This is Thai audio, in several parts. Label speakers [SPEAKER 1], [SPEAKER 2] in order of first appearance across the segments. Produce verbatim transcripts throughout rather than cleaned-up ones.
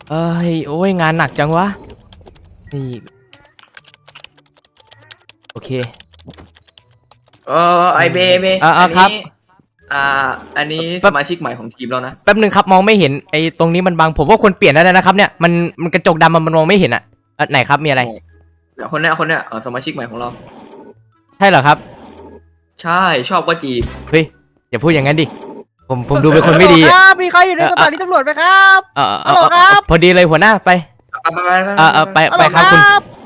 [SPEAKER 1] เอ้ยโอ้ยงานหนักจังวะนี่โอเค
[SPEAKER 2] เออไอเบเบ
[SPEAKER 1] อ่าครับ
[SPEAKER 2] อ่าอันนี้สมาชิกใหม่ของทีมเรานะ
[SPEAKER 1] แป๊บนึงครับมองไม่เห็นไอ้ตรงนี้มันบังผมว่าควรเปลี่ยนได้แล้วนะครับเนี่ยมันมันกระจกดำมันมองไม่เห็นอ่ะไหนครับมีอะไร
[SPEAKER 2] เดี๋ยวคนเนี้ยคนเนี้ยสมาชิกใหม่ของเรา
[SPEAKER 1] ใช่เหรอครับ
[SPEAKER 2] ใช่ชอบก็จีบ
[SPEAKER 1] เฮ้ยอย่าพูดอย่างนั้นดิผมผมดูเป็นคนไม่ดี
[SPEAKER 3] ครับมีใครอยู่ในสถานีตำรวจไหมครับ
[SPEAKER 1] เออเออครับพอดีเลยหัวหน้าไป
[SPEAKER 2] ไปไป
[SPEAKER 1] เออไปไปครับคุณ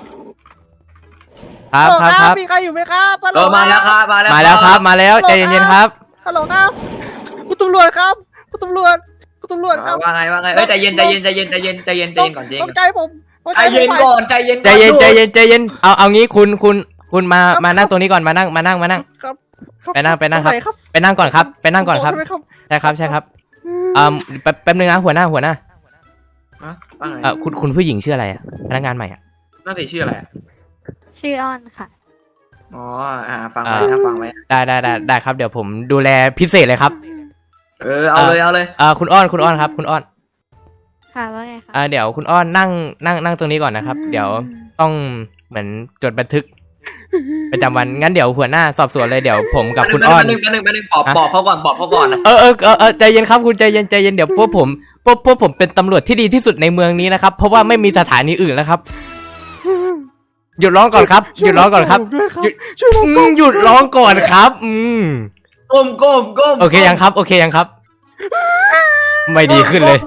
[SPEAKER 1] ครับครับครับ
[SPEAKER 3] มีใครอยู่ไหมครับ
[SPEAKER 2] เออมาแล้วครับมาแล้ว
[SPEAKER 1] มาแล้วครับมาแล้วใจเย็นๆครับ
[SPEAKER 3] ฮัลโหลครับคุณตำรวจครับคุณตำรวจคุณตำรวจครับ
[SPEAKER 2] ว่าไงว่าไงเอ้ยใจเย็นใจเย็นใจเย็นใจเย็นใจเย็นใจเย็นก่อนใจเย็น
[SPEAKER 3] ใจผม
[SPEAKER 2] ใจเย็นก่อนใจเย็น
[SPEAKER 1] ใจเย็นใจเย็นใจเย็นเอาเอางี้คุณคุณคุณมามานั่งตรงนี้ก่อนมานั่งมานั่งมานั่ง
[SPEAKER 3] ครับ
[SPEAKER 1] ไปนั่งไปนั่งครับไปนั่งก่อนครับไปนั่งก่อนครับใช่ครับใช่ครับอ่าแป๊บแป๊บนึงนะหัวหน้าหัวหน้าเออคุณคุณผู้หญิงชื่ออะไรอ่ะพนักงานใหม่อ่ะ
[SPEAKER 2] น่าจะชื่ออะไร
[SPEAKER 4] ชื่ออ้อนค่ะ
[SPEAKER 2] อ๋ออ่าฟังไว้นะฟังไว้
[SPEAKER 1] ได้ได้ได้ได้ครับเดี๋ยวผมดูแลพิเศษเลยครับ
[SPEAKER 2] เออเอาเลยเอาเลย
[SPEAKER 1] อ่าคุณอ้อนคุณอ้อนครับคุณอ้อน
[SPEAKER 4] ค่ะว่าไงคะ
[SPEAKER 1] อ่าเดี๋ยวคุณอ้อนนั่งนั่งนั่งตรงนี้ก่อนนะครับเดี๋ยวต้องเหมือนจดบันทึกประจำวันงั้นเดี๋ยวหัวหน้าสอบสวนเลยเดี๋ยวผมกับคุณอ้อน
[SPEAKER 2] นึงนึงนึงปอบปอบเขาก่อนปอบเขาก่อนนะ
[SPEAKER 1] เออเออเออใจเย็นครับคุณใจเย็นใจเย็นเดี๋ยวพวกผมพวกพวกผมเป็นตำรวจที่ดีที่สุดในเมืองนี้นะครับเพราะว่าไม่มีสถานีอื่นแล้วครับหยุดร้องก่อนครับหยุดร้องก่อนครับหยุดหยุดร้องก่อนครับอืม
[SPEAKER 2] ก้มก้มก้ม
[SPEAKER 1] โอเคยังครับโอเคยังครับไม่ดีขึ้นเลย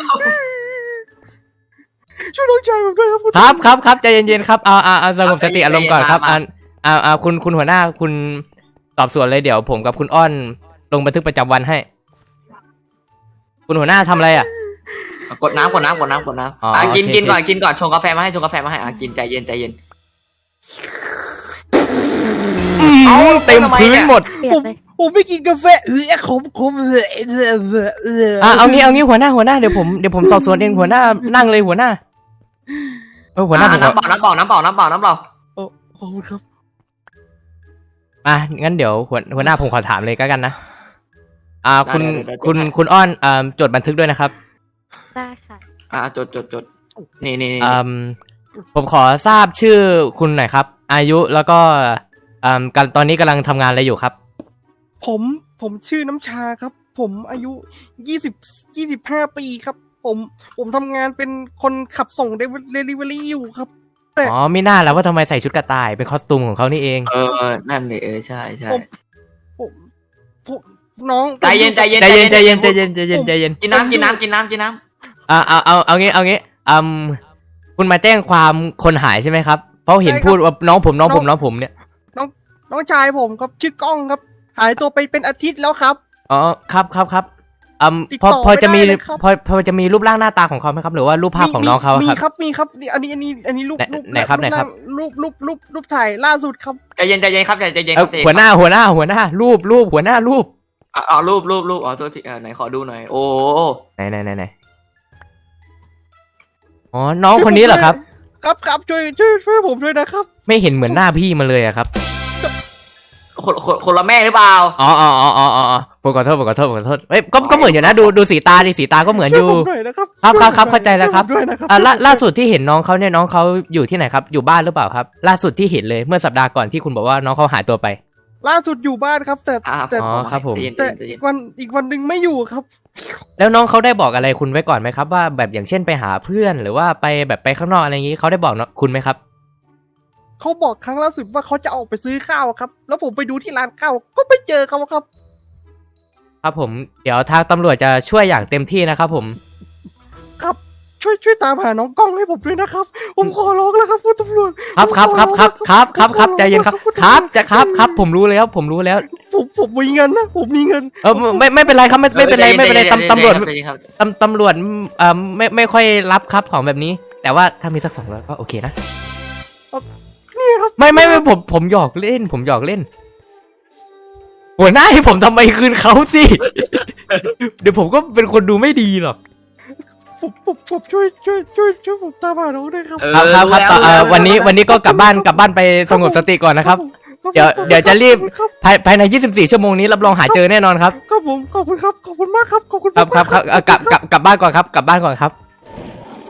[SPEAKER 3] ช่วยน้องชายผมด้วยครับ
[SPEAKER 1] ครับครับครับใจเย็นๆครับเอาเอาเอาสงบสติอารมณ์ก่อนครับอ่าอ่าอ่าคุณคุณหัวหน้าคุณสอบสวนเลยเดี๋ยวผมกับคุณอ้อนลงบันทึกประจำวันให้คุณหัวหน้าทำอะไรอ่ะ
[SPEAKER 2] กดน้ำกดน้ำกดน้ำกดน้ำอ่ะกินกินก่อนกินก่อนชงกาแฟมาให้ชงกาแฟมาให้อ่ะกินใจเย็นใจเย็น
[SPEAKER 1] เอาเต็มพื้นหมด
[SPEAKER 3] ผมผมไม่กินกาแฟเออขมขมเลย
[SPEAKER 1] อ่ะเอางี้เอางี้หัวหน้าหัวหน้าเดี๋ยวผมเดี๋ยวผมสอบสวนเองหัวหน้านั่งเลยหัวหน้าเออหัวหน้า
[SPEAKER 2] น้ำเปล่าน้ำเปล่าน้ำเปล่าน้ำเปล่าน้ำเปล่า
[SPEAKER 3] โอ้ขอบคุณครับ
[SPEAKER 1] อ่ะงั้นเดี๋ยวหัวหัวหน้าผมขอถามเลยก็กันนะอ่าคุณคุณคุณอ้อนอ่าจดบันทึกด้วยนะครับ
[SPEAKER 4] ได้ค่ะ
[SPEAKER 2] อ่าจดจดจดนี่นี่
[SPEAKER 1] อ่าผมขอทราบชื่อคุณหน่อยครับอายุแล้วก็อ่าตอนนี้กำลังทำงานอะไรอยู่ครับ
[SPEAKER 3] ผมผมชื่อน้ำชาครับผมอายุยี่สิบยี่สิบห้าปีครับผมผมทำงานเป็นคนขับส่งเดลิเวอรี่อยู่ครับ
[SPEAKER 1] แต่อ๋อไม่น่าแล้วว่าทำไมใส่ชุดกระต่ายเป็นคอสตูมของเขานี่เอง
[SPEAKER 2] เออนั่นเลยเออใช่ใช่
[SPEAKER 3] ผมผมน้อง
[SPEAKER 2] ใจเย็นใจเย็น
[SPEAKER 1] ใจเย็นใจเย็นใจเย็นใจเย็นใจเย็น
[SPEAKER 2] กินน้ำกินน้ำกินน้ำกินน้
[SPEAKER 1] ำอ่าเอาเอาเอางี้เอางี้อืมคุณมาแจ้งความคนหายใช่ไหมครับเพราะเห็นพูดว่าน้องผมน้องผมน้องผมเนี่ย
[SPEAKER 3] น้องน้องชายผมครับชื่อกล้องครับหายตัวไปเป็นอาทิตย์แล้วครับ
[SPEAKER 1] อ๋อครับครับครับอืมพอพอจะมีพอพอจะมีรูปร่างหน้าตาของเขาไหมครับหรือว่ารูปภาพของน้องเขาครับ
[SPEAKER 3] มีครับมีครับอันนี้อันนี้อันนี้รูปรูป
[SPEAKER 1] ไหนครับไหนครับ
[SPEAKER 3] รูปรูปรูปรูปถ่ายล่าสุดครับ
[SPEAKER 2] ใจเย็นใจเย็นครับใจเย็น
[SPEAKER 1] หัวหน้าหัวหน้าหัวหน้ารูปรูปหัวหน้ารูป
[SPEAKER 2] อ๋อรูปรูปรูปอ๋อตัวที่ไหนขอดูหน่อยโอ้
[SPEAKER 1] ไหนไหนไหนไหนอ๋อน้องคนนี้เหรอครับ
[SPEAKER 3] ครับครับช่วยช่วยช่วยผมด้วยนะครับ
[SPEAKER 1] ไม่เห็นเหมือนหน้าพี่มาเลยอะครับ
[SPEAKER 2] คนคนคนละแม่หรือเปล่า
[SPEAKER 1] อ๋ออ๋ออ๋ออ๋ออ๋อผมขอโทษผมขอโทษผมขอโทษเอ้ยก็ก็เหมือนอยู่นะดูดูสีตาดิสีตาก็เหมือนอยู่ครับครับครับเข้าใจแล้วครับอ่าล่าล่าสุดที่เห็นน้องเขาเนี่ยน้องเขาอยู่ที่ไหนครับอยู่บ้านหรือเปล่าครับล่าสุดที่เห็นเลยเมื่อสัปดาห์ก่อนที่คุณบอกว่าน้องเขาหายตัวไป
[SPEAKER 3] ล่าสุดอยู่บ้านครับแต่แต่
[SPEAKER 1] อ๋อครับผม
[SPEAKER 3] แต่อีกวันอีกวันหนึ่งไม่อยู่ครับ
[SPEAKER 1] แล้วน้องเขาได้บอกอะไรคุณไว้ก่อนไหมครับว่าแบบอย่างเช่นไปหาเพื่อนหรือว่าไปแบบไปข้างนอกอะไรอย่างนี้เขาได้บอกคุณไหมครับ
[SPEAKER 3] เขาบอกครั้งล่าสุดว่าเขาจะออกไปซื้อข้าวครับแล้วผมไปดูที่ร้านข้าวก็ไม่เจอเขาครับ
[SPEAKER 1] ครับผมเดี๋ยวทางตำรวจจะช่วยอย่างเต็มที่นะครับผม
[SPEAKER 3] ครับช่วยช่วยตามหาน้องกล้องให้ผมด้วยนะครับผมขอร้องแล้วครับคุณตำรวจ
[SPEAKER 1] ครับครับครับครับครับครับครับใจเย็นครับครับจะครับครับผมรู้แล้วผมรู้แล้ว
[SPEAKER 3] ผมผมมีเงินนะผมมีเงิน
[SPEAKER 1] เออไม่ไม่เป็นไรครับไม่ไม่เป็นไรไม่เป็นไรตำตำรวจตำตำรวจเอ่อไม่ไม่ค่อยรับครับของแบบนี้แต่ว่าถ้ามีสักสองร้อยก็โอเคนะไม่ไม่ไม่ผมผมหยอกเล่นผมหยอกเล่นหัวหน้าให้ผมทำไมคืนเขาสิเดี๋ยวผมก็เป็นคนดูไม่ดีหรอก
[SPEAKER 3] ผมผมผมช่วยช่วยช่วยช่วยผมตามหาน้องด้วยครับ
[SPEAKER 1] ครับครับครับวันนี้วันนี้ก็กลับบ้านกลับบ้านไปสงบสติก่อนนะครับเดี๋ยวเดี๋ยวจะรีบภายภายในยี่สิบสี่ชั่วโมงนี้รับรองหาเจอแน่นอนครับ
[SPEAKER 3] ครับผมขอบคุณครับขอบคุณมากครับขอบคุณ
[SPEAKER 1] ครับครับครับกลับกลับกลับบ้านก่อนครับกลับบ้านก่อนครับ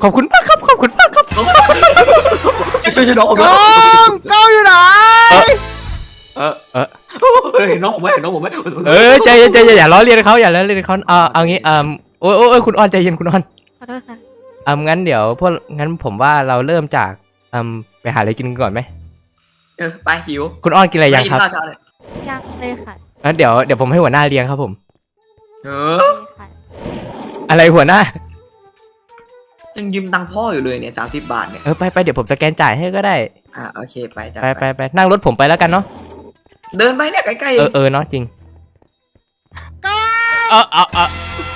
[SPEAKER 1] ขอบคุณมากครับขอบคุณมากครับ
[SPEAKER 2] ช่วยช่วยช่วยน้องผม
[SPEAKER 3] ก
[SPEAKER 2] ด้
[SPEAKER 3] ล้
[SPEAKER 2] วย
[SPEAKER 3] องกล้องอยู่ไหน
[SPEAKER 2] เออเออเฮ้ยน้องผมไม่น้องผมไม่
[SPEAKER 1] เออใจเย็นใจเย็นอย่าล้อเลียนเขาอย่าล้อเลียนเขาเอาเอางี้อ่าโอ้ยโอ้ยคุณอ้อนใจเย็นคุณอ้อน
[SPEAKER 4] ขอโทษค่ะ
[SPEAKER 1] อ่างั้นเดี๋ยวพวกงั้นผมว่าเราเริ่มจากอ่าไปหาอะไรกินกันก่อนไหม
[SPEAKER 2] เออไปหิว
[SPEAKER 1] คุณอ้อนกินอะไรยังครับ
[SPEAKER 2] ข้าวเช้าเลย
[SPEAKER 4] ยังเลยค่ะ
[SPEAKER 1] งั้นเดี๋ยวเดี๋ยวผมให้หัวหน้าเลี้ยงครับผม
[SPEAKER 2] เอ
[SPEAKER 4] โอ
[SPEAKER 2] อ
[SPEAKER 4] เคค่ะ
[SPEAKER 1] อะไรหัวหน้า
[SPEAKER 2] ยังยืมตังค์พ่ออยู่เลยเนี่ยสามสิบบาทเนี่ย
[SPEAKER 1] เออไปไปเดี๋ยวผมสแกนจ่ายให้ก็ได้
[SPEAKER 2] อ่าโอเคไปจ้ะ
[SPEAKER 1] ไปไปไปนั่งรถผมไปแล้วกันเนาะ
[SPEAKER 2] เดินไปเนี่ยใกล้ๆ
[SPEAKER 1] เออเออเนาะจริง
[SPEAKER 3] กล้อง
[SPEAKER 1] เออเออเออ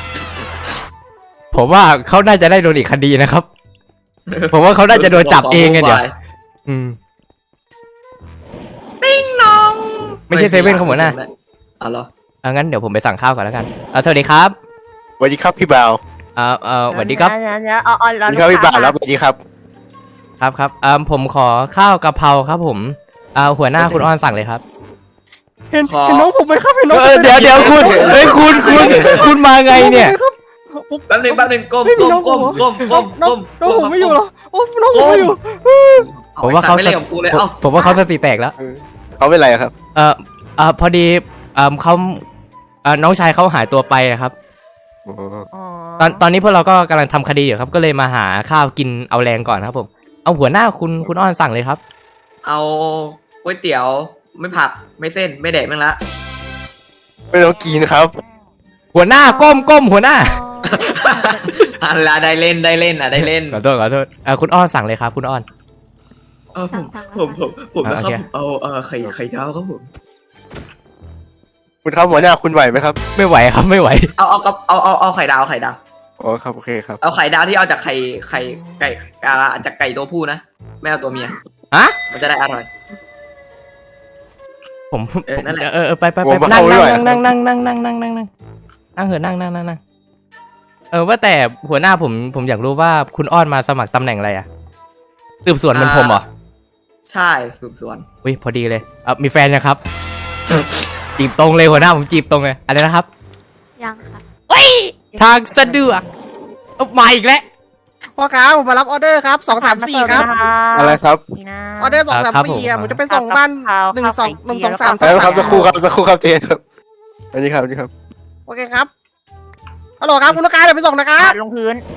[SPEAKER 1] ผมว่าเขาน่าจะได้โดนอีกคดีนะครับ ผมว่าเขาน่าจะโดนจับเองไงเดี๋ยวอืม
[SPEAKER 2] ติ้งน้อง
[SPEAKER 1] ไม่ใช่เซเว่นครับหัวหน้า
[SPEAKER 2] อ๋อเหรอ
[SPEAKER 1] เอางั้นเดี๋ยวผมไปสั่งข้าวก่อนแล้วกันเอาสวัสดีครับ
[SPEAKER 5] สวัสดีครับพี่บ่าว
[SPEAKER 1] เออเออสวัสดีครับ
[SPEAKER 6] เดี๋ยวเดี๋ยวเอาเอา
[SPEAKER 5] สวัสดีครับพี่บ่าวแล้วสวัสดีครับ
[SPEAKER 1] ครับครับเออผมขอข้าวกะเพราครับผมเอาหัวหน้าคุณอ้อนสั่งเลยครับ
[SPEAKER 3] เห็นเห็นน้องผมไหมครับเห็นน้อง
[SPEAKER 1] เอ
[SPEAKER 3] ผม
[SPEAKER 1] อ
[SPEAKER 3] ไหม
[SPEAKER 1] เดี๋ยวเดี๋ยวคุณเฮ้ยคุณคุณคุณมาไงเนี่ย
[SPEAKER 3] ผม
[SPEAKER 2] แป๊บนึงแป๊บนึงก้ม
[SPEAKER 3] ไม่มี
[SPEAKER 2] ก้ม
[SPEAKER 3] น้องผ
[SPEAKER 2] ก้
[SPEAKER 3] ม
[SPEAKER 2] ม
[SPEAKER 3] เหรอ
[SPEAKER 2] ก้มก้ม
[SPEAKER 3] น้อง
[SPEAKER 2] ก้ม
[SPEAKER 3] น้องผมไม่อยู่เหรอโอ้น้องผมไม่อยู่
[SPEAKER 1] ผมว่าเขา
[SPEAKER 2] ไม่เล่นกับกูเลย
[SPEAKER 1] ผม
[SPEAKER 2] เอ้า
[SPEAKER 1] ผมว่าเขาสติแตกแล้ว
[SPEAKER 5] เขาเป็นไรอะครับ
[SPEAKER 1] เออเออพอดีเออเขาเออน้องชายเขาหายตัวไปอะครับ
[SPEAKER 5] อ๋อ
[SPEAKER 6] อ๋อ
[SPEAKER 1] ตอนตอนนี้พวกเราก็กำลังทำคดีอยู่ครับ ก็เลยมาหาข้าวกินเอาแรงก่อนครับผม เอาหัวหน้าคุณคุณอ้อนสั่งเลยครับ
[SPEAKER 2] เอาก๋วยเตี๋ยวไม่ผักไม่เส้นไม่แดกมั้งละ
[SPEAKER 5] ไม่ต้องกินครับ
[SPEAKER 1] หัวหน้าก้มก้มหัวหน้า
[SPEAKER 2] อันละได้เล่นได้เล่นอ่ะได้เล่น
[SPEAKER 1] ขอโทษขอโทษเออคุณอ้อนสั่งเลยครับ คุณอ้อน
[SPEAKER 2] เออผมผมผมผมนะครั
[SPEAKER 1] โอเค
[SPEAKER 2] บผมเอาเออไข่ไข่ดาวครับผม
[SPEAKER 5] คุณครับหัวหน้าคุณไหวไหมครับ
[SPEAKER 1] ไม่ไหวครับไม่ไหว
[SPEAKER 2] เอาเอาเอาเอาเอาไข่ดาวไข่ดาว
[SPEAKER 5] อ๋อครับโอเคครับ
[SPEAKER 2] เอาไข่ดาวที่เอาจากไข่ไข่ไก่อ่าจากไก่ตัวผู้นะไม่เอาตัวเมีย
[SPEAKER 1] อะ
[SPEAKER 2] มันจะได้อร่อย
[SPEAKER 1] ผม
[SPEAKER 2] เออนั่นแหละ
[SPEAKER 1] เออเออไปไป
[SPEAKER 5] ผ
[SPEAKER 1] ไป
[SPEAKER 5] มมา
[SPEAKER 1] นั่ง
[SPEAKER 5] เข้าไม่ไหว
[SPEAKER 1] นั่งนั่งนั่งนั่งนั่งนั่งนั่งนั่งนั่งเหอะนั่งนั่งนั่งนั่งเออว่าแต่หัวหน้าผมผมอยากรู้ว่าคุณอ้อนมาสมัครตำแหน่งอะไรอะสืบสวนเหมันผมเหรอ
[SPEAKER 2] ใช่สืบสวน
[SPEAKER 1] อุ้ยพอดีเลยเออมีแฟนยังครับ จีบตรงเลยหัวหน้าผมจีบตรงเลยอะไรนะครับ
[SPEAKER 4] ยังค่ะ
[SPEAKER 1] ทางสะดวกเอามาอีกแล้ว
[SPEAKER 3] พ่อค้าผมมารับออเดอร์ครับสองสามสี่ครับ
[SPEAKER 5] อะไรครับ
[SPEAKER 6] นี่นะ
[SPEAKER 3] ออเดอร์สองสาม
[SPEAKER 1] ครับผม
[SPEAKER 3] สี่อ่ะผมจะไปส่งบ้านหนึ่งสองหนึ่งสองสาม
[SPEAKER 5] แล้วครับสักครู่ครับสักครู่ครับเจนครับอันนี้ครับอันนี้ครับ
[SPEAKER 3] โอเคครับฮัลโหลครับคุณลูกค้าเดี๋ยวไปส่งนะครับ
[SPEAKER 6] ลงพื้น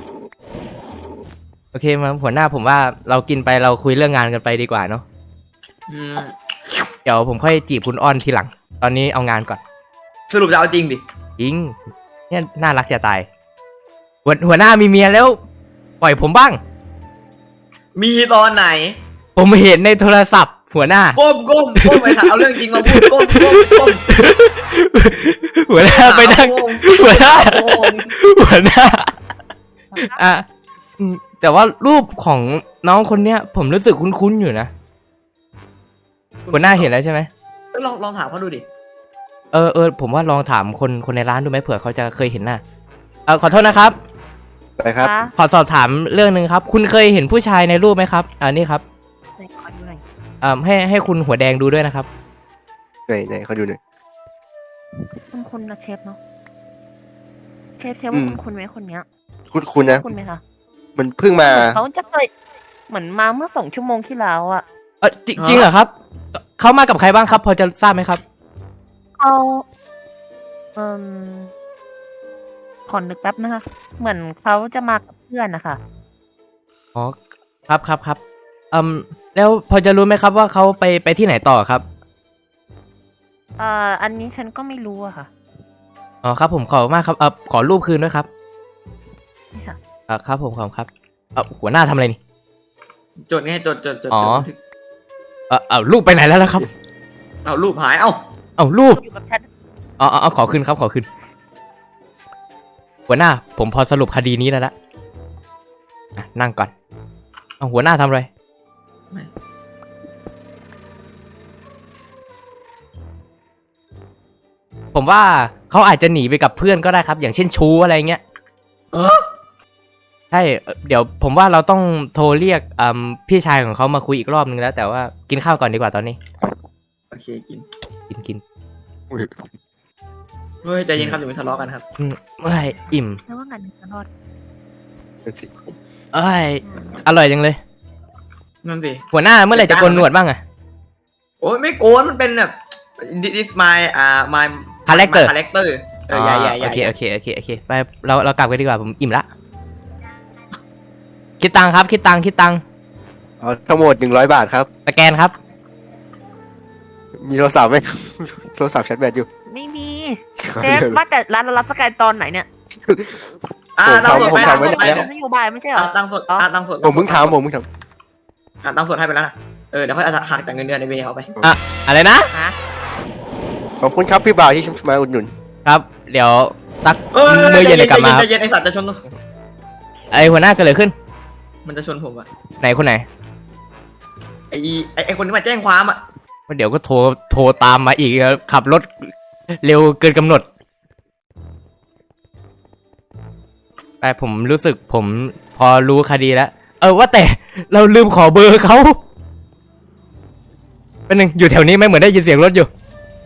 [SPEAKER 1] โอเคมาหัวหน้าผมว่าเรากินไปเราคุยเรื่องงานกันไปดีกว่าเนาะ
[SPEAKER 2] อืม
[SPEAKER 1] เดี๋ยวผมค่อยจีบคุณอ้อนทีหลัง ตอนนี้เอางานก่อน
[SPEAKER 2] สรุปจะเอาจริงดิ
[SPEAKER 1] จริงเนี่ยน่ารักจะตายหัวหัวหน้ามีเมียแล้ว ปล่อยผมบ้าง
[SPEAKER 2] มีตอนไหน
[SPEAKER 1] ผมเห็นในโทรศัพท์ หัวหน้า
[SPEAKER 2] ก้มก้มก้มไปถามเอาเรื่องจริงมาพูดก้มก้มก้ม
[SPEAKER 1] หัวหน้าไปนั่ง
[SPEAKER 2] ก้ม
[SPEAKER 1] หัวหน้า
[SPEAKER 2] ก้ม
[SPEAKER 1] หัวหน้าอ่ะอืมแต่ว่ารูปของน้องคนเนี้ย ผมรู้สึกคุ้นๆอยู่นะหัวหน้าเห็นแล้วใช่ไหม
[SPEAKER 2] เออลองลองถามเขาดูดิ
[SPEAKER 1] เออเออผมว่าลองถามคนคนในร้านดูไหมเผื่อเขาจะเคยเห็นหน้าเออขอโทษนะครับ
[SPEAKER 5] อะไรครับ
[SPEAKER 6] คะ
[SPEAKER 1] ขอสอบถามเรื่องหนึ่งครับ คุณเคยเห็นผู้ชายในรูปไหมครับอ่านี่ครับ
[SPEAKER 6] ไหนขอดูหน่อย
[SPEAKER 1] อ่าให้ให้คุณหัวแดงดูด้วยนะครับ
[SPEAKER 5] ไหนไหนเขาดูหน่อย
[SPEAKER 6] คุณคุณนะเชฟเนาะเชฟเชฟว่า
[SPEAKER 5] อืม
[SPEAKER 6] คุณคุณไหมคนเนี้ย
[SPEAKER 5] คุณคุณนะ
[SPEAKER 6] คุณไหมคะ
[SPEAKER 5] มันเพิ่งมา
[SPEAKER 6] เขาจะเคยเหมือนมาเมื่อสองชั่วโมงที่แล้วอะ
[SPEAKER 1] เออจริงจริงเหรอครับเขามากับใครบ้างครับ พอจะทราบไหมครับ
[SPEAKER 6] เขาเอ่มขอนึกแป๊บนะคะ เหมือนเขาจะมากับเพื่อนนะคะ
[SPEAKER 1] อ๋อครับครับครับอืมแล้วพอจะรู้ไหมครับว่าเขาไปไปที่ไหนต่อครับ
[SPEAKER 6] เอ่ออันนี้ฉันก็ไม่รู้อะค่ะ
[SPEAKER 1] อ๋อครับผมขอบคุณมากครับเออขอรูปคืนด้วยครับ
[SPEAKER 6] นี่ค่ะ
[SPEAKER 1] เออครับผมขอบคุณครับเออหัวหน้าทำอะไรนี่
[SPEAKER 2] จดไงจดจดจด
[SPEAKER 1] อ๋อ
[SPEAKER 2] จด
[SPEAKER 1] เออเอารูปไปไหนแล้วล่ะครับ
[SPEAKER 2] เอารูปหายเอ้า
[SPEAKER 1] เอารูป
[SPEAKER 6] อยู่กับฉัน
[SPEAKER 1] อ๋ออ๋อขอคืนครับขอคืนหัวหน้า ผมพอสรุปคดีนี้แล้วละอ่ะนั่งก่อนเอาหัวหน้าทำอะไรผมว่าเขาอาจจะหนีไปกับเพื่อนก็ได้ครับ อย่างเช่นชู้อะไรเงี้ย
[SPEAKER 2] เออ
[SPEAKER 1] ใช่เอ่อเดี๋ยวผมว่าเราต้องโทรเรียกอืมพี่ชายของเขามาคุยอีกรอบนึงแล้ว แต่ว่ากินข้าวก่อนดีกว่าตอนนี้
[SPEAKER 2] โอเคกิน
[SPEAKER 1] กินกิน
[SPEAKER 2] เฮ้ยใจเย็นครับอย่าไปทะเลาะกันครับ
[SPEAKER 1] อืมเมื่อไหร่อิ่ม
[SPEAKER 6] แล้วว่างานจะรอด
[SPEAKER 1] เเอ้ยอร่อยจังเลย
[SPEAKER 2] นั่นสิ
[SPEAKER 1] หัวหน้าเมื่อไหร่จะโกนหนวดบ้างอะ
[SPEAKER 2] โอ้ยไม่โกนมันเป็นแบบ this my อ่า my
[SPEAKER 1] Character
[SPEAKER 2] character เออใหญ่ใหญ่ใหญ่
[SPEAKER 1] โอเคโอเคโอเคโอเคไปเราเรากลับกันดีกว่าผมอิ่มละคิดตังค์ครับคิดตังค์คิดตังค์
[SPEAKER 5] เอาทั้งหมดหนึ่งร้อยบาทครับ
[SPEAKER 1] สแกนครับ
[SPEAKER 5] มีโทรศัพท์ไหม โทรศัพท์แชทแบตอยู่
[SPEAKER 6] ไม่มีเชฟว่าแต่ร้านเรารับสแกนตอนไหนเนี่ย
[SPEAKER 2] อ่า
[SPEAKER 5] ผม
[SPEAKER 2] ตั้งสด
[SPEAKER 5] ผม
[SPEAKER 2] ไป
[SPEAKER 5] ทำไว้
[SPEAKER 2] ตั้งสดไป
[SPEAKER 5] แล้ว
[SPEAKER 6] นโยบายไม่ใช่เหรอ
[SPEAKER 2] อ่าตั้งสดอ่าตั้งสด
[SPEAKER 5] ผมเพิ่งทำผมเพิ่งท
[SPEAKER 2] อ่าตั้งสดให้ไปแล้วนะเออเดี๋ยวค่อยหักจากเงินเดือนในเบย์เอาไป
[SPEAKER 1] อะไรนะ
[SPEAKER 6] ฮะ
[SPEAKER 5] ำขอบคุณครับพี่บ่าวที่มาอุดหนุน
[SPEAKER 1] ครับ เดี๋ยวตัก
[SPEAKER 2] เออ
[SPEAKER 1] มื้อเย็นเลยกลับมาค
[SPEAKER 2] ใจ
[SPEAKER 1] รับ
[SPEAKER 2] เย็นไอสัตว์จะชน
[SPEAKER 1] ไอหัวหน้าเกิดอะไรขึ้น
[SPEAKER 2] มันจะชนผมอะ
[SPEAKER 1] ไหนคนไหน
[SPEAKER 2] ไอไอไอคนที่มาแจ้งความอะ
[SPEAKER 1] เดี๋ยวก็โทรโทรตามมาอีกขับรถเร็วเกินกำหนดแต่ผมรู้สึกผมพอรู้คดีแล้วเออว่าแต่เราลืมขอเบอร์เขาเป็นหนึ่งอยู่แถวนี้ไหมเหมือนได้ยินเสียงรถอยู่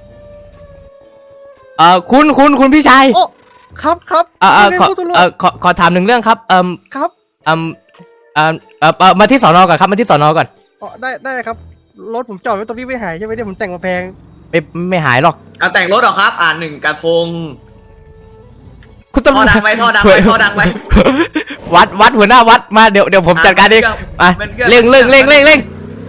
[SPEAKER 1] เออคุณคุณคุณพี่ชาย
[SPEAKER 3] โอ้ครับครับ
[SPEAKER 1] เออเออขอ
[SPEAKER 3] คุณตำรวจ
[SPEAKER 1] เออขอขอถามหนึ่งเรื่องครับเอม
[SPEAKER 3] ครับ
[SPEAKER 1] เอมเอมเออเออมาที่สอนอก่อนครับมาที่สอนอก่อน
[SPEAKER 3] อ๋อได้ได้ครับรถผมจอดไว้ตรงนี้ไม่หายใช่ไหมเนี่ยผมแต่งมาแพง
[SPEAKER 1] ไม่ไม่หายหรอก
[SPEAKER 2] เอาแต่งรถเหรอครับ อ่าหนึ่งกระทง
[SPEAKER 1] คุณตำร
[SPEAKER 2] ท่อ
[SPEAKER 1] วจ
[SPEAKER 2] ดังไหมท่อดังไหมท่อดังไหม
[SPEAKER 1] วัดวัดหัวหน้าวัดมาเดี๋ยวเดี๋ยวผมจัดการเองอ่ะ
[SPEAKER 2] เป็นคอง
[SPEAKER 1] เร่งเร่งเร่งเร่งเร่ง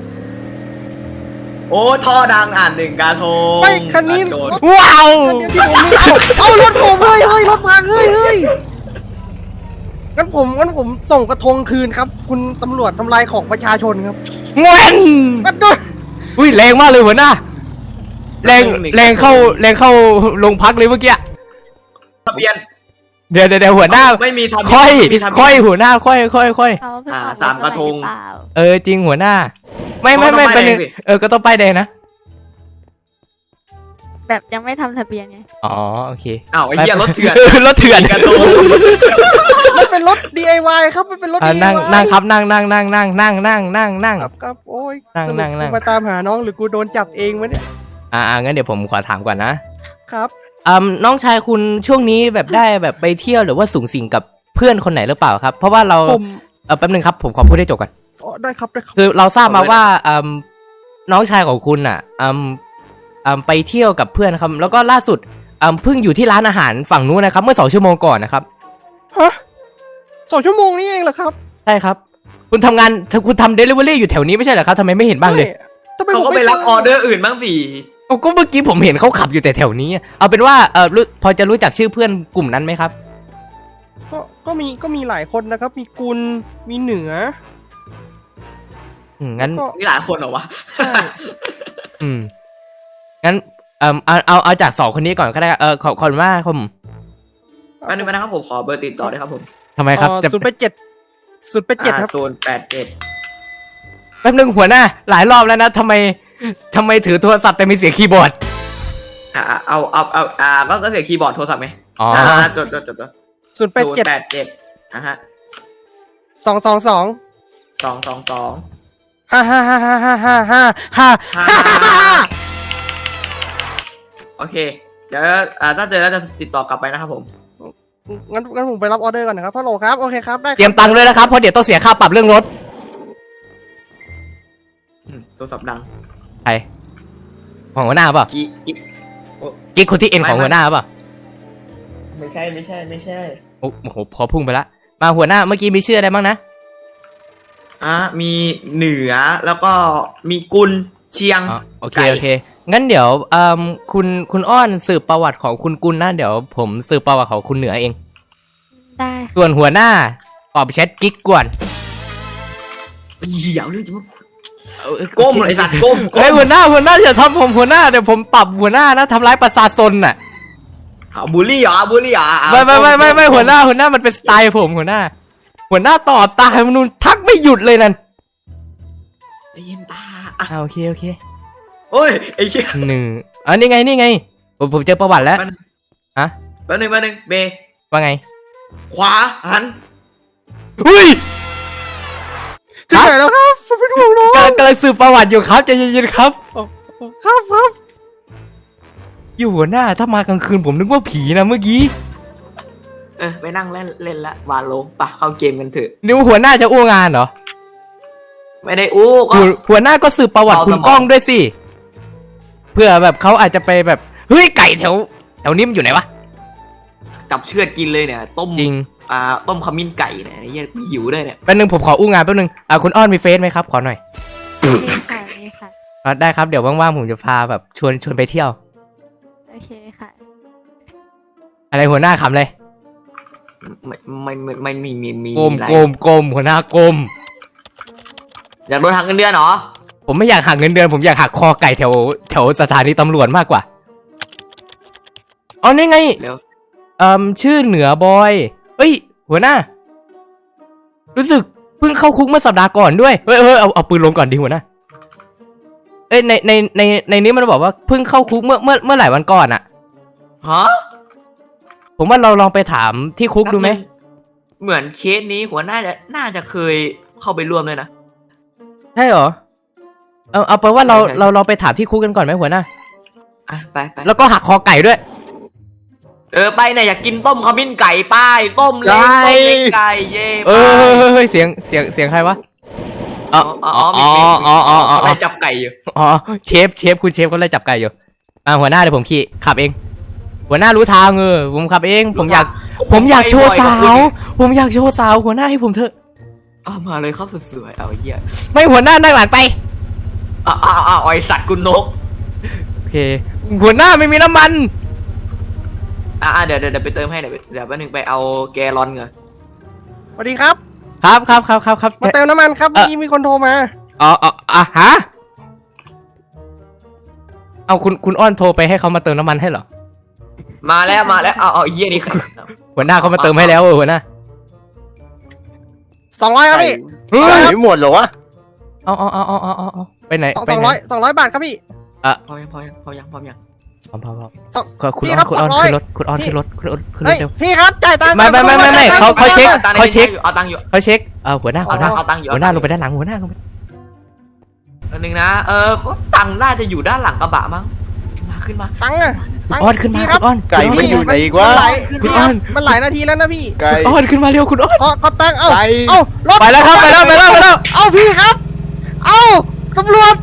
[SPEAKER 2] โอ้ท่อดังอ่านหนึ่งกระทง
[SPEAKER 3] ไม่คันนี้
[SPEAKER 2] โด
[SPEAKER 3] รถ
[SPEAKER 1] ว้าว
[SPEAKER 3] คันนี้ที่ผมมีเอาเอารถผมเฮ้ยเฮ้ยรถพังเฮ้ยเฮ้ยงั้นผมงั้นผมส่งกระทงคืนครับ คุณตำรวจทำลายของประชาชนครับ
[SPEAKER 1] งวน
[SPEAKER 3] กันโดน
[SPEAKER 1] อุ้ยแรงมากเลยหัวหน้าแรงแรงเข้าแรงเข้าโรงพักเลยเมื่อกี้
[SPEAKER 2] ทะเบียน
[SPEAKER 1] เดี๋ยวเดี๋ยวเดี๋ยวหัวหน้า
[SPEAKER 2] ไม่มีทะเบีน
[SPEAKER 1] ค่อย
[SPEAKER 2] ไม่มีทะเบีน
[SPEAKER 1] ค่อยหัวหน้าค่อยค่อยค่อย
[SPEAKER 4] เขาเพิ่ง
[SPEAKER 2] อ่า
[SPEAKER 4] ออก
[SPEAKER 2] สามกระทง
[SPEAKER 4] ถใหม่หอเปล่า
[SPEAKER 1] เออจริงหัวหน้า ไม่ไม่ไม่
[SPEAKER 2] เขาต้อง
[SPEAKER 1] เป็น
[SPEAKER 2] ป้ายแดงสิ
[SPEAKER 1] เออก็ต้องป้ายแดงนะ
[SPEAKER 4] แบบยังไม่ทำทะเบียนไง
[SPEAKER 1] อ๋อโอเค
[SPEAKER 2] อ้าวไอ้เหี้ยรถเถื่อน
[SPEAKER 1] รถเถื่อน
[SPEAKER 2] กระทง
[SPEAKER 3] มันเป็นรถ ดี ไอ วาย ครับมันเป็นรถ
[SPEAKER 1] อ่ะ
[SPEAKER 3] ดี
[SPEAKER 1] นั่งนั่งครับนั่งนั่งนั่งนั่งนั่งนั่งนั่งนั่ง
[SPEAKER 3] ครับครับโอ้ย
[SPEAKER 1] นั่ง
[SPEAKER 3] สรุป
[SPEAKER 1] นั่งนั่ง
[SPEAKER 3] กูมาตามหาน้องหรือกูโดนจับเองวะเนี่ย
[SPEAKER 1] อ่าอ่างั้นเดี๋ยวผมขอถามก่อนนะครับ อืมน้องชายคุณช่วงนี้แบบได้แบบไปเที่ยวหรือว่าสูงสิงกับเพื่อนคนไหนหรือเปล่าครับ เพราะว่าเรา
[SPEAKER 3] ผม
[SPEAKER 1] เออแป๊บนึงครับผมขอพูดให้จบก่อน
[SPEAKER 3] อ๋อได้ครับได้ครับ
[SPEAKER 1] คือเราทราบมาว่าอืมน้องชายของคุณอ่ะอืมอืมไปเที่ยวกับเพื่อนครับแล้วก็ล่าสุดอืมเพิ่งอยู่ที่ร้านอาหารฝั่งนู้นนะครับ เมื่อสองชั่วโมงก่อนนะครับ
[SPEAKER 3] ฮะสองชั่วโมงนี้เองเหรอครับ
[SPEAKER 1] ใช่ครับ คุณทำงานคุณทำเดลิเวอรี่อยู่แถวนี้ไม่ใช่เหรอครับทำไมไม่เห็นบ้างเลย
[SPEAKER 3] ทำไม
[SPEAKER 2] เขา
[SPEAKER 3] ผม
[SPEAKER 2] ก็ไป
[SPEAKER 3] ม่
[SPEAKER 2] รับ
[SPEAKER 3] จ
[SPEAKER 2] ออเดอร์อื่นบ้างสิ
[SPEAKER 1] เอาก็เมื่อกี้ผมเห็นเขาขับอยู่แต่แถวนี้อะเอาเป็นว่าเออรู้พอจะรู้จักชื่อเพื่อนกลุ่มนั้นไหมครับ
[SPEAKER 3] ก็ก็มีก็มีหลายคนนะครับ มีกุลมีเหนือ
[SPEAKER 1] อืมงั้น
[SPEAKER 3] ก็
[SPEAKER 2] นี่หลายคนเหรอวะ
[SPEAKER 3] ใช่
[SPEAKER 1] อืมงั้นเออเอาเอาเอาจากสองคนนี้ก่อนก็ได้ครับเออขอขอบคุณมากครับผม
[SPEAKER 2] แป๊บนึงนะครับผมขอเบอร์ติดต่อด้วยครับผม
[SPEAKER 1] ทำไมครับจะ
[SPEAKER 3] ศูนย์แปดเจ็ดศูนย์แปดเจ็ดครับ
[SPEAKER 2] ศูนย์แปดเจ็ด
[SPEAKER 1] แป๊บนึงหัวหน้า หลายรอบแล้วนะทำไมทำไมถือโทรศัพท์แต่มีเสียงคีย์บอร์ด
[SPEAKER 2] อ่าเอาเอาเอาอ่าก็ก็เสียคีย์บอร์ดโทรศัพท์ไหม
[SPEAKER 1] อ๋อ
[SPEAKER 2] อ่าจดจดจดจด
[SPEAKER 3] ศูนย์แปดเจ็ด
[SPEAKER 2] แปดเจ็ดอ่ะฮะ
[SPEAKER 3] สองสองสอง
[SPEAKER 2] สองสองสอง
[SPEAKER 3] ฮ่าฮ่าฮ่าฮ่าฮ่าฮ่าฮ่าฮ่า
[SPEAKER 2] ห้าโอเค เดี๋ยวอ่าถ้าเจอแล้วจะติดต่อกลับไปนะครับผม
[SPEAKER 3] งั้นงั้นผมไปรับออเดอร์ก่อนนะครับฮัลโหลครับโอเคครับได้ค
[SPEAKER 1] เตรียมตังค์ด้วยนะครับเพราะเดี๋ยวต้องเสียค่าปรับเรื่องรถ
[SPEAKER 2] อืมโทรศัพท์ดัง
[SPEAKER 1] ใครของหัวหน้าเปล่า
[SPEAKER 2] กิ๊กกิ๊ก
[SPEAKER 1] กิ๊กคนที่เอ็นของหัวหน้าเปล่า
[SPEAKER 2] ไม่ใช่ไม่ใช่ไม่ใช่
[SPEAKER 1] โอ้โหพอพุ่งไปละมาหัวหน้าเมื่อกี้มีชื่ออะไรบ้างนะ
[SPEAKER 2] อ่ะมีเหนือแล้วก็มีกุลเชียง
[SPEAKER 1] อ๋อโอเค
[SPEAKER 2] ไก่
[SPEAKER 1] โอเคงั้นเดี๋ยวเอ่อคุณคุณอ้อนสืบประวัติของคุณกุลนะเดี๋ยวผมสืบประวัติของคุณเหนือเอง
[SPEAKER 4] ได้
[SPEAKER 1] ส่วนหัวหน้าตอบแชทกิ๊กก่อน
[SPEAKER 2] เหี้ยเอาเรื่องจะมาก้มเลยไอ้สัตว์ก้มก้
[SPEAKER 1] เฮ้ย
[SPEAKER 2] ม
[SPEAKER 1] หัวหน้าหัวหน้าอย่าทำผมหัวหน้าเดี๋ยวผมปรับหัวหน้านะทำร้ายประชาชนน่ะ
[SPEAKER 2] เอาบูลลี่เหรอบูลลี่เหรออ่ะ
[SPEAKER 1] ไม่ไม่ไม่ไม่ไม่
[SPEAKER 2] ก้
[SPEAKER 1] หัวหน้าหัวหน้ามันเป็นสไตล์ผมหัวหน้า หัวหน้าต่อตาให้มนุษย์ทักไม่หยุดเลยนั่น
[SPEAKER 2] ใจเย็นตาอ่ะ
[SPEAKER 1] อ่าโอเคโอเค
[SPEAKER 2] โอ้ยไอ้เหี้ย
[SPEAKER 1] หนึ่งอ๋อนี่ไงนี่ไงผมผมเจอประวัติแล้ว
[SPEAKER 2] แป๊บนึง
[SPEAKER 1] ฮะ
[SPEAKER 2] แป๊บนึงแป๊บนึงเบ
[SPEAKER 1] ว่าไง
[SPEAKER 2] ขวาหัน
[SPEAKER 1] อุ้ย
[SPEAKER 3] ถึงไหนแล้วครับผมเป็นห่วงน้อง
[SPEAKER 1] กำลังกำลังสืบประวัติอยู่ครับใจเย็นๆครับ
[SPEAKER 3] ครับครับ
[SPEAKER 1] อยู่หัวหน้าถ้ามากลางคืนผมนึกว่าผีนะเมื่อกี้
[SPEAKER 2] เออไปนั่งเล่นเล่นละวาโลปะเข้าเกมกันเถอะ
[SPEAKER 1] นิ้วหัวหน้าจะอู้งานเหรอ
[SPEAKER 2] ไม่ได้อู้ก็
[SPEAKER 1] หัวหัวหน้าก็สืบประวัติ
[SPEAKER 2] เอา
[SPEAKER 1] คุณ
[SPEAKER 2] สมอง
[SPEAKER 1] ก้องด้วยสิเพื่อแบบเขาอาจจะไปแบบเฮ้ยไก่แถวแถวนี้มันอยู่ไหนวะ
[SPEAKER 2] จับเชือดกินเลยเนี่ยต้ม
[SPEAKER 1] จริง
[SPEAKER 2] อ่าต้มขมิ้นไก่เนี่ยไอ้เหี้ยหิวด้วยเนี่ย
[SPEAKER 1] แป๊บนึงผมขออู้งานแป๊บนึงอ่าคุณอ้อนมีเฟซไหมครับขอหน่อย
[SPEAKER 4] มีค่ะมีค่ะ
[SPEAKER 1] อ่าได้ครับเดี๋ยวว่างๆผมจะพาแบบชวนชวนไปเที่ยว
[SPEAKER 4] โอเคค่ะ
[SPEAKER 1] อะไรหัวหน้าขำเลย
[SPEAKER 2] ไม่ไม่ไม่ไม่มีมีมี
[SPEAKER 1] โกม
[SPEAKER 2] มีอะไร
[SPEAKER 1] โกมโกมหัวหน้าโกม
[SPEAKER 2] อยากโดนหักเงินเดือนเหรอ
[SPEAKER 1] ผมไม่อยากหักเงินเดือนผมอยากหักคอไก่แถวแถวสถานีตำรวจมากกว่าอ๋อนี่ไง
[SPEAKER 2] เร็ว
[SPEAKER 1] เอ่อชื่อเหนือบอยเอ้ยหัวหน้า รู้สึกเพิ่งเข้าคุกเมื่อสัปดาห์ก่อนด้วยเฮ้ยเฮ้ยเอาเอาปืนลงก่อนดิหัวหน้าเอ้ยในในในในนี้มันบอกว่าเพิ่งเข้าคุกเมื่อเมื่อเมื่อหลายวันก่อนอะ
[SPEAKER 2] ฮะ
[SPEAKER 1] ผมว่าเราลองไปถามที่คุกดูไหม
[SPEAKER 2] เหมือนเคสนี้หัวหน้าจะน่าจะเคยเข้าไปร่วมเลยนะ
[SPEAKER 1] ใช่เหรอเอาเอาไปนว่าเรา
[SPEAKER 2] ใช่ใช่
[SPEAKER 1] เราเราไปถามที่คุกกันก่อนไหมหัวหน้า
[SPEAKER 2] อ่ะไปไป
[SPEAKER 1] แล้วก็หักคอไก่ด้วย
[SPEAKER 2] เออไปเนี่ยอยากกินต้มขมิ้นไก่ป้ายต้มเล้ง
[SPEAKER 1] ได้
[SPEAKER 2] ต้มเล้งไก่เย่
[SPEAKER 1] เอ
[SPEAKER 2] ไป
[SPEAKER 1] อเฮ้ยเฮ้ยเฮ้ยเสียงเสียงเสียงใครวะอ๋อ
[SPEAKER 2] อ๋อ
[SPEAKER 1] อ๋
[SPEAKER 2] อ๋
[SPEAKER 1] อ
[SPEAKER 2] อ
[SPEAKER 1] อ๋ออ๋ออ๋อ
[SPEAKER 2] อะไรจับไก่อยู่
[SPEAKER 1] อ๋อเชฟเชฟคุณเชฟเขาไล่จับไก่อยู่อ่าหัวหน้าเดี๋ยวผมขี่ขับเอง หัวหน้ารู้ทางเออผมขับเอง ผมอยาก ผมอยากโชว์สาว ผมอยากโชว์สาวหัวหน้าให้ผมเถอะ
[SPEAKER 2] เอามาเลยครับสวยๆเอาเหี้ย
[SPEAKER 1] ไม่หัวหน้านั่งหลังไป
[SPEAKER 2] อ้าวอ้าวอ้าวไอสัตว์กุนนก
[SPEAKER 1] โอเค หัวหน้าไม่มีน้ำมัน
[SPEAKER 2] อ่าเดี๋ยวเดี๋ยวเดี๋ยวไปเติมให้เดี๋ยวเดี๋ยวแป๊บนึงไปเอาแกลลอนก่อน
[SPEAKER 3] สวัสดีครับ
[SPEAKER 1] ครับครับครับครับครับ
[SPEAKER 3] มาเติมน้ำมันครับ
[SPEAKER 1] เอ่
[SPEAKER 3] เมื่
[SPEAKER 1] อ
[SPEAKER 3] อกี้มีคนโทรมา
[SPEAKER 1] อ๋ออ๋ออ่ะฮะเอาคุณคุณอ้อนโทรไปให้เขามาเติมน้ำมันให้เหรอ
[SPEAKER 2] มาแล้วมาแล้วเอาเอาไอ้เหี้ยนี่ใคร
[SPEAKER 1] หัวหน้าเขามาเติมให้แล้วเออหัวหน้า
[SPEAKER 3] สองร้อยครับพี่
[SPEAKER 1] เฮ้ย
[SPEAKER 5] ไก่ไม่หมดเหรอวะ
[SPEAKER 1] เอาเอาเอาเอาเอาเอาเอาไปไหน
[SPEAKER 3] สอง
[SPEAKER 1] ไป
[SPEAKER 3] สอง
[SPEAKER 1] ไหน
[SPEAKER 3] ร้อยสองร้อยบาทครับพี่
[SPEAKER 2] พอยังพอยังพอยังพอยัง
[SPEAKER 1] พร้อมพร้อมพร้อม
[SPEAKER 3] สอง
[SPEAKER 1] ก็คุณ
[SPEAKER 3] พี่
[SPEAKER 1] อ้อ
[SPEAKER 3] ครั
[SPEAKER 1] น
[SPEAKER 3] บ
[SPEAKER 1] คุณอ้อน
[SPEAKER 3] สองร้อย
[SPEAKER 1] ขึ้นรถคุณอ้อนขึ้นรถขึ้นรถขึ้นร
[SPEAKER 3] เฮ้
[SPEAKER 1] ถ
[SPEAKER 3] ย
[SPEAKER 1] เร็ว
[SPEAKER 3] พี่ครับจ่ายตังค์
[SPEAKER 1] ไม่ไม่ไม่ไม่ไม่เขาเขาเช็ค
[SPEAKER 2] ตังค์ใน
[SPEAKER 1] เขาเช็ค
[SPEAKER 2] เอาตังค์อยู่
[SPEAKER 1] เขาเช็คเออหัวหน้าหัวหน้า
[SPEAKER 2] เอาตังค์อยู่
[SPEAKER 1] หัวหน้าลงไปด้านหลังหัวหน้าลงไป
[SPEAKER 2] อันนึงนะเออตังค์น่าจะอยู่ด้านหลังกระบะมั้งมาขึ้นมา
[SPEAKER 3] ตังค์อะ
[SPEAKER 1] คุณ
[SPEAKER 3] ตังค์
[SPEAKER 1] อ้อนขึ้นมา
[SPEAKER 3] พี่ค
[SPEAKER 1] คุ
[SPEAKER 3] รับ
[SPEAKER 1] ณอ้อน
[SPEAKER 5] ไก่มันอยู่ไหนอีกวะ
[SPEAKER 3] มันหลาย
[SPEAKER 1] คุณ
[SPEAKER 3] พี่
[SPEAKER 1] อ้
[SPEAKER 3] ค
[SPEAKER 1] อ
[SPEAKER 3] รับ
[SPEAKER 1] น
[SPEAKER 3] มันหลายนาทีแล้วนะพี่
[SPEAKER 5] ไก่
[SPEAKER 1] คุณอ้อนขึ้นมาเร็วคุณอ้อน
[SPEAKER 3] ขอขอตังค์เอ้า
[SPEAKER 5] ไก่
[SPEAKER 3] เอ้ารถ
[SPEAKER 1] ไปแล้วครับไปแล้วไปแล้วไปแล้ว
[SPEAKER 3] เอ้าพี่ครับ เอ้าตำรวจ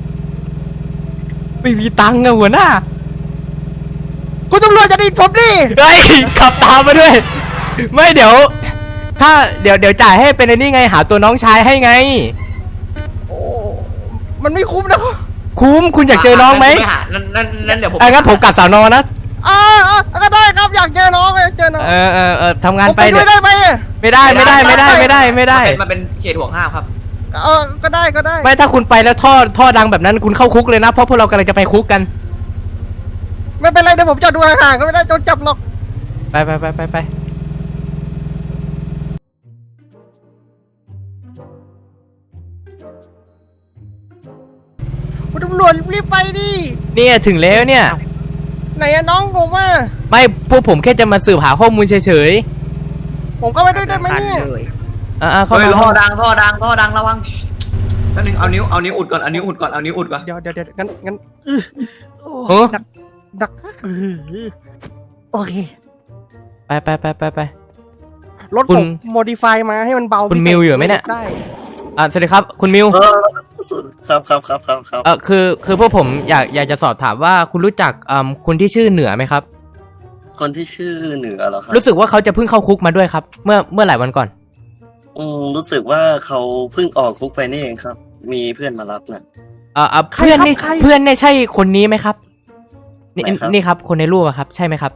[SPEAKER 1] ไม่มีตังค์อะหัวหน้า
[SPEAKER 3] คุณตำรวจจะดีดผมดิ
[SPEAKER 1] เฮ้ยขับตามมาด้วย ไม่เดี๋ยว ถ้าเดี๋ยวเดี๋ยวจ่ายให้เป็นไอ้นี่ไงหาตัวน้องชายให้ไง
[SPEAKER 3] โอ้มันไม่คุ้มนะครับ
[SPEAKER 1] คุ้มคุณอยากเจอน้องไหม
[SPEAKER 2] านั่นนั่นนั่นเดี๋ยวผม
[SPEAKER 1] อ่ะงั้นผมกลับสาวนอนะ
[SPEAKER 3] อ่าอ่าก็ได้ครับอยากเจอน้องอยากเจอน้อง
[SPEAKER 1] เออเออเออทำงาน
[SPEAKER 3] ผม
[SPEAKER 1] ไป
[SPEAKER 3] ไปด้
[SPEAKER 1] เดี๋
[SPEAKER 3] วย ยว ได้ไหม
[SPEAKER 1] ไม่ได้ไม่ได้ไม่ได้ไม่ได้ไม่ได้
[SPEAKER 2] มันเป็นเขตห่วงห้ามครับ
[SPEAKER 3] เออก็ได้ก็ได้
[SPEAKER 1] ไม่ถ้าคุณไปแล้วท่อท่อดังแบบนั้นคุณเข้าคุกเลยนะเพราะพวกเรากำลังจะไปคุกกัน
[SPEAKER 3] ไม่เป็นไรเดี๋ยวผมจอดดูห่างๆก็ไม่ได้โดนจับหรอก
[SPEAKER 1] ไปไปไปไปไป
[SPEAKER 3] คุณตำรวจรีบไปดิ
[SPEAKER 1] เนี่ยถึงแล้วเนี่ย
[SPEAKER 3] ไหนอะน้องผมอ่ะ
[SPEAKER 1] ไม่พวกผมแค่จะมาสืบหาข้อมูลเฉย
[SPEAKER 3] ผมก็ไปด้วยได้ไหมเนี่ย
[SPEAKER 1] ๆอ่าเข้า
[SPEAKER 2] เฮ้ย
[SPEAKER 1] มา
[SPEAKER 2] ท่อดังท่อดังท่อดังระวังแป๊บนึงเอานิ้วเอานิ้วอุดก่อนเอานิ้วอุดก่อนเอานิ้วอุดก่อน
[SPEAKER 3] เดี๋ยวเดี๋ยวเดี๋ยวงั้นงั้นอื้อโอ้
[SPEAKER 1] โอ้
[SPEAKER 3] ดักดักอื้อโอเค
[SPEAKER 1] ไปไปไปไปไป
[SPEAKER 3] รถ
[SPEAKER 1] คุ
[SPEAKER 3] ผ
[SPEAKER 1] ณ
[SPEAKER 3] มโมดิฟายมาให้มันเบา
[SPEAKER 1] คุณ
[SPEAKER 3] พิเศษ
[SPEAKER 1] มิวอยู่ไหมเนี่ย
[SPEAKER 3] ได้
[SPEAKER 1] อ่าสวัสดีครับคุณมิว
[SPEAKER 7] เออครับครับครับครับครับ
[SPEAKER 1] เออคือคือพวกผมอยากอยากจะสอบถามว่าคุณรู้จักอืมคนที่ชื่อเหนือไหมครับ
[SPEAKER 7] คนที่ชื่อเหนือเหรอครับ
[SPEAKER 1] รู้สึกว่าเขาจะเพิ่งเข้าคุกมาด้วยครับ เมื่อเมื่อหลายวันก่อน
[SPEAKER 7] อืมรู้สึกว่าเขาเพิ่งออกคุกไปนี่เองครับ มีเพื่อนมารับนะ
[SPEAKER 1] เอ่อเอ่อเพื่อนนี่เพื่อนเนี่ยใช่คนนี้ไหมครับนี่
[SPEAKER 7] ไหนครับ
[SPEAKER 1] นี่ครับคนในรูปอะครับ ใช่ไหมครับ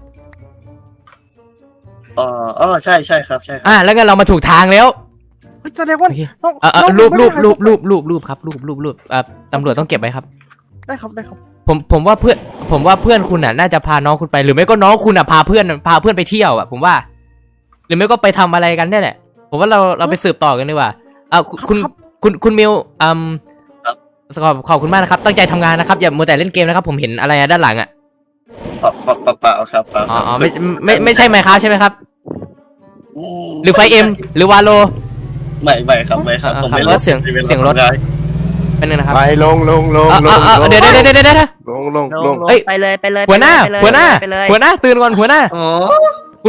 [SPEAKER 7] อ๋ออ๋อใช่ใช่ครับใช่ครับ
[SPEAKER 1] อ่าแล้วงั้นเรามาถูกทางแล้ว
[SPEAKER 3] เฮ้ยแสดงว่า
[SPEAKER 1] โอเค
[SPEAKER 3] น้อง
[SPEAKER 1] เอ่อเอ่อ
[SPEAKER 3] น้อง
[SPEAKER 1] รูป
[SPEAKER 3] ไม่
[SPEAKER 1] รู
[SPEAKER 3] ได้
[SPEAKER 1] ป
[SPEAKER 3] ถ่าย
[SPEAKER 1] รูป
[SPEAKER 3] คลิ
[SPEAKER 1] รูปรูปรูปครับรูปรูปรูปเอ่อตำรวจต้องเก็บไว้ครับ
[SPEAKER 3] ได้ครับได้ครับ
[SPEAKER 1] ผมผมว่าเพื่อนผมว่าเพื่อนคุณน่ะน่าจะพาน้องคุณไป หรือไม่ก็น้องคุณอ่ะพาเพื่อนพาเพื่อนไปเที่ยวอ่ะผมว่า หรือไม่ก็ไปทำอะไรกันเนี่ยแหละผมว่าเราเราไปสืบต่อกันดีกว่าอ่าคุณ
[SPEAKER 3] ครับ
[SPEAKER 1] คุณคุณมิวอืมขอบขอบคุณมากนะครับ ตั้งใจทำงานนะครับอย่ามัวแต่เล่นเกมนะครับ ผมเห็นอะไรอะด้านหลังอ่ะ
[SPEAKER 7] เปล่าเปล่าเปล่าเปล่าครับเปล่า
[SPEAKER 1] อ๋
[SPEAKER 7] ค
[SPEAKER 1] อ
[SPEAKER 7] รับ
[SPEAKER 1] อ๋อไม่ไม่ไม่ใช่ไมค์ครับใช่ไหมครับ
[SPEAKER 7] ม
[SPEAKER 1] หรือไฟเอ็มหรือวาโล
[SPEAKER 7] ไม่ไม่ครับไม่ครับ
[SPEAKER 1] อ่า
[SPEAKER 7] ผม
[SPEAKER 1] ครับ
[SPEAKER 7] ไม่
[SPEAKER 1] แล้วเสียง
[SPEAKER 7] ในวลา
[SPEAKER 1] เสียงรถ
[SPEAKER 7] ทำาน
[SPEAKER 1] เป็นนึงนะครับ
[SPEAKER 5] ไปลงลงลง
[SPEAKER 1] เอ่อ
[SPEAKER 5] ล
[SPEAKER 1] เอ่อง เอ่อ
[SPEAKER 5] ลง
[SPEAKER 1] เดี๋ยวเดี๋ยวเดี๋ยวเดี๋ยวเดี๋ยว
[SPEAKER 5] ลงลง
[SPEAKER 6] ล
[SPEAKER 5] ล
[SPEAKER 6] ง
[SPEAKER 5] ง
[SPEAKER 6] ลง
[SPEAKER 1] เอ้ย
[SPEAKER 6] ไปเลยไปเลย
[SPEAKER 1] หัวหน้า
[SPEAKER 6] ไปเลย
[SPEAKER 1] หัวหน้า
[SPEAKER 6] ไปเลย
[SPEAKER 1] หัวหน้าตื่นก่อนหัวหน้า
[SPEAKER 2] โอ้
[SPEAKER 1] คุณ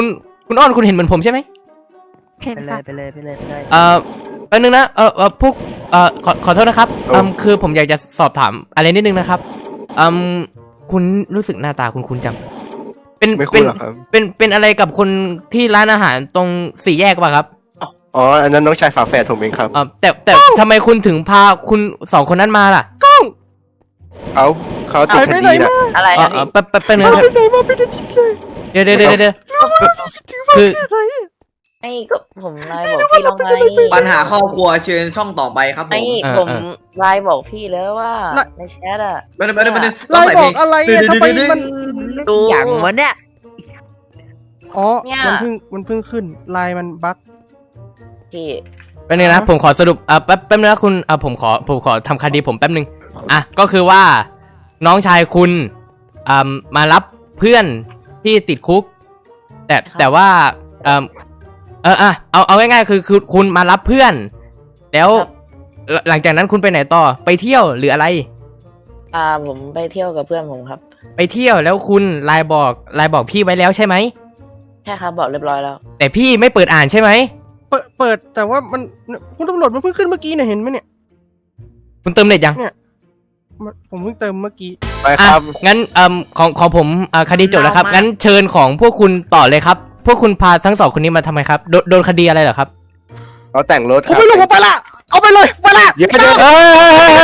[SPEAKER 1] คุณอ้อนคุณเห็นเหมือนผมใช่ไหม
[SPEAKER 4] เห็น
[SPEAKER 6] ไปเล
[SPEAKER 4] ค่ะ
[SPEAKER 6] ยไปเลยไปเลยไปเลย
[SPEAKER 1] เอ่อแป๊บนึงนะเออเออพวกเอ่อขอขอโทษนะครับอืมคือผมอยากจะสอบถามอะไรนิดนึงนะครับอืมคุณรู้สึกหน้าตาคุณคุณจังเป็น
[SPEAKER 5] ไม่
[SPEAKER 1] เป็
[SPEAKER 5] คุ้
[SPEAKER 1] น
[SPEAKER 5] นหรอกครับ
[SPEAKER 1] เป็นเป็นอะไรกับคนที่ร้านอาหารตรงสี่แยกป่ะครับ
[SPEAKER 5] อ๋ออันนั้นน้องชายฝาแฝดผมเองครับ
[SPEAKER 1] เออแต่แต่ทำไมคุณถึงพาคุณสองคนนั้นมาล่ะ
[SPEAKER 5] เอาเขาติดค
[SPEAKER 3] ไป
[SPEAKER 5] ดี
[SPEAKER 3] ไหน
[SPEAKER 5] นะ
[SPEAKER 3] มา
[SPEAKER 6] อะไร
[SPEAKER 1] เออ
[SPEAKER 6] อ่ะ
[SPEAKER 1] เอ
[SPEAKER 6] พี่
[SPEAKER 1] อแป๊บแป๊บแป๊บนึง
[SPEAKER 3] เอา
[SPEAKER 1] นะค
[SPEAKER 3] ไป
[SPEAKER 1] รับ
[SPEAKER 3] ไหนมาไม่ได้ทิศเลย
[SPEAKER 1] เดี๋ยวเดี๋ยวเดี๋ยวเดี๋ยวคือ
[SPEAKER 6] ไอ้ก็ผมไลน์บอกพี่แล้วไง
[SPEAKER 2] ปัญหาครอบครัวเชิญช่องต่อไปครับผ
[SPEAKER 6] ไอ้
[SPEAKER 2] ม
[SPEAKER 6] ผมไลน์บอกพี่แล้วว่าในแชทอะ
[SPEAKER 2] ไม่ได้ไม่ได้ไม่ได้
[SPEAKER 3] ไลน์บอกอะไรอะทำไมมัน
[SPEAKER 6] ดูอย่างวะเนี่ย
[SPEAKER 3] อ๋อ
[SPEAKER 6] เนี่ย
[SPEAKER 3] มันเพิ่งมันเพิ่งขึ้นไลน์มันบั๊ก
[SPEAKER 6] พี่
[SPEAKER 1] แป๊บนึงนะผมขอสรุปอ่ะแป๊บแป๊บนึงนะคุณอ่ะผมขอผมขอทำคดีผมแป๊บนึงอ่ะก็คือว่าน้องชายคุณอ่ามารับเพื่อนที่ติดคุก แต่แต่ว่าเออเอออ่ะเอาเอาง่ายๆคือคือคุณมารับเพื่อน แล้วหลังหลังจากนั้นคุณไปไหนต่อไปเที่ยวหรืออะไร
[SPEAKER 6] อ่าผมไปเที่ยวกับเพื่อนผมครับ
[SPEAKER 1] ไปเที่ยวแล้วคุณไลน์บอกไลน์บอกพี่ไว้แล้วใช่ไหม
[SPEAKER 6] ใช่ครับบอกเรียบร้อยแล้ว
[SPEAKER 1] แต่พี่ไม่เปิดอ่านใช่ไหม
[SPEAKER 3] เปิดเปิดแต่ว่ามันคุณตำรวจมันเพิ่งขึ้นเมื่อกี้เนี่ยเห็นไหมเนี่ย
[SPEAKER 1] คุณเติมเน็ตยัง
[SPEAKER 3] มันผมเพิ่งเติมเมื่อกี้
[SPEAKER 5] ไป
[SPEAKER 1] อ่ะ
[SPEAKER 5] ครับ
[SPEAKER 1] งั้นเอ่มของของผมอ่ะคดีจบแล้วครับ
[SPEAKER 6] เอามางั้
[SPEAKER 1] งั้นเชิญของพวกคุณต่อเลยครับ พวกคุณพาทั้งสองคนนี้มาทำไมครับโดนโดนคดีอะไรเหรอครับ
[SPEAKER 5] เขาแต่งรถ
[SPEAKER 3] ผมไม่รู้ผมไปละเอาไปเลยไปละ
[SPEAKER 5] เยอะเยอะ
[SPEAKER 1] เฮ้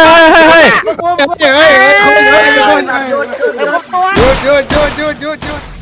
[SPEAKER 1] ย
[SPEAKER 5] เฮ้ยเฮ้ยเฮ้ยเฮ้ยเฮ้ยเฮ้ยเฮ้ยเฮ้ยเฮ้ยเฮ้ยเฮ้ยเฮ้ยเฮ้ยเฮ้ย